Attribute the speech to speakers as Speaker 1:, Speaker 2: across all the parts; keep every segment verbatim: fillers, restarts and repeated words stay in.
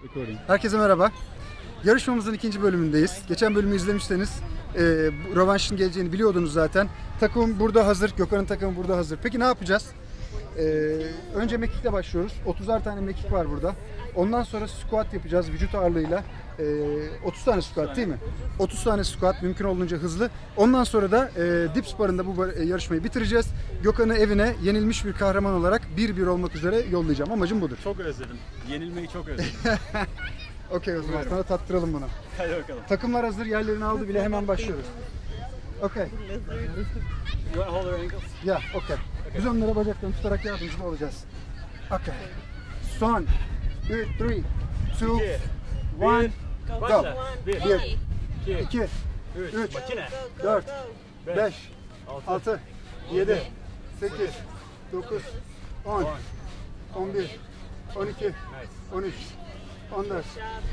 Speaker 1: Herkese merhaba. Yarışmamızın ikinci bölümündeyiz. Geçen bölümü izlemişseniz e, rövanşın geleceğini biliyordunuz zaten. Takım burada hazır. Gökhan'ın takımı burada hazır. Peki ne yapacağız? E, önce mekikle başlıyoruz. otuzar tane mekik var burada. Ondan sonra squat yapacağız vücut ağırlığıyla. E, otuz tane squat değil mi? otuz tane squat, mümkün olduğunca hızlı. Ondan sonra da e, dips barında bu yarışmayı bitireceğiz. Gökhan'ı evine yenilmiş bir kahraman olarak bir bir olmak üzere yollayacağım. Amacım budur.
Speaker 2: Çok özledim. Yenilmeyi çok özledim.
Speaker 1: Okey, o zaman sana tattıralım bunu.
Speaker 2: Hadi bakalım.
Speaker 1: Takımlar hazır, yerlerini aldı bile, hemen başlıyoruz. Okay.
Speaker 2: You want to hold our ankles?
Speaker 1: Ya, yeah, okay. Biz onlara bacaklarını tutarak yardımcı olacağız. Okay. Son. üç, üç, iki, bir, go. bir, iki, üç, dört, beş, altı, yedi, sekiz, dokuz, on, on bir, on iki, on üç, on dört,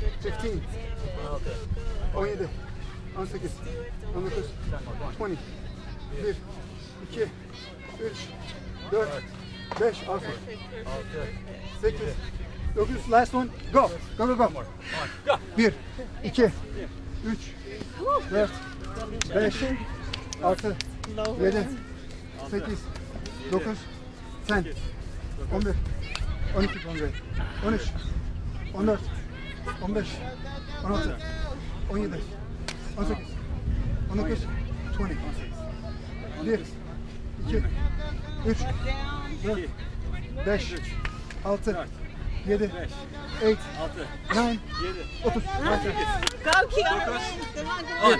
Speaker 1: on yedi, on sekiz, on dokuz, yirmi, bir, iki, üç, dört, beş, altı, sekiz, dokuz, last one, go, go, go, go. bir, iki, üç, dört, beş, altı, yedi, sekiz, dokuz, on, on bir, on iki, on üç, on dört, on beş, on altı, on yedi, on sekiz, on dokuz, yirmi. bir, iki, üç, dört, beş, altı, yedi, sekiz, dokuz, otuz.
Speaker 3: Go Kiara.
Speaker 2: on,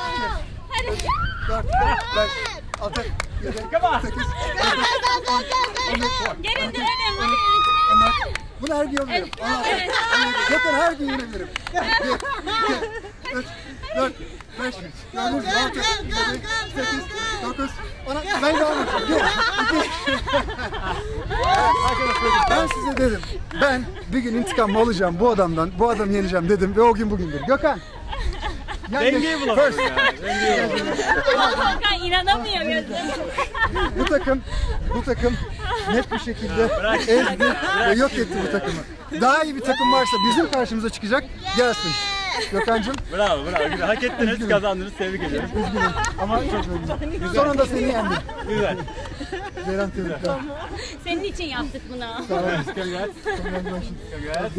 Speaker 1: dört, beş, altı, yedi, sekiz, dokuz, on.
Speaker 3: Geri dönelim.
Speaker 1: Bunu her gün yapıyorum. Gökhan her gün yenebilirim. bir, iki, üç, dört, beş, altı, yedi, sekiz, dokuz, on. Ben de almışım. bir, iki. Ben size dedim. Ben bir gün intikamımı alacağım bu adamdan. Bu adamı yeneceğim dedim ve o gün bugündür. Gökhan.
Speaker 2: Dengeyi bulamadım ya. Dengeyi bulamadım.
Speaker 3: Volkan inanamıyor gözüm.
Speaker 1: Bu takım, bu takım net bir şekilde ezdi ve yok etti bu takımı. Daha iyi bir takım varsa bizim karşımıza çıkacak, gelsin. Gökhan'cığım.
Speaker 2: Bravo, bravo. Güzel. Hak ettiniz, kazandınız. Tebrik ediyorum.
Speaker 1: Üzgünüm ama çok üzgünüm. Sonunda seni yendim.
Speaker 2: Güzel.
Speaker 1: Ceylan tebrikler.
Speaker 3: Senin için yaptık bunu.
Speaker 1: Sağ olun.
Speaker 2: Congrats. Congrats.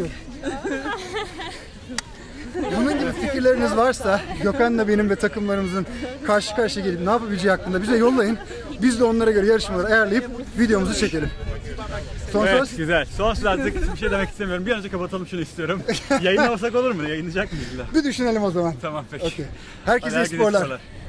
Speaker 1: Bunun gibi fikirleriniz varsa Gökhan'la benim ve takımlarımızın karşı karşıya gelip ne yapabileceği hakkında bize yollayın. Biz de onlara göre yarışmaları ayarlayıp videomuzu çekelim. Son
Speaker 2: Evet,
Speaker 1: söz.
Speaker 2: güzel. Son söz artık bir şey demek istemiyorum. Bir an önce kapatalım şunu istiyorum. Yayınlamasak olur mu? Yayınlayacak mıyız?
Speaker 1: Bir düşünelim o zaman.
Speaker 2: Tamam peki.
Speaker 1: Okay. Herkese
Speaker 2: Hadi herkese
Speaker 1: sporlar.
Speaker 2: sporlar.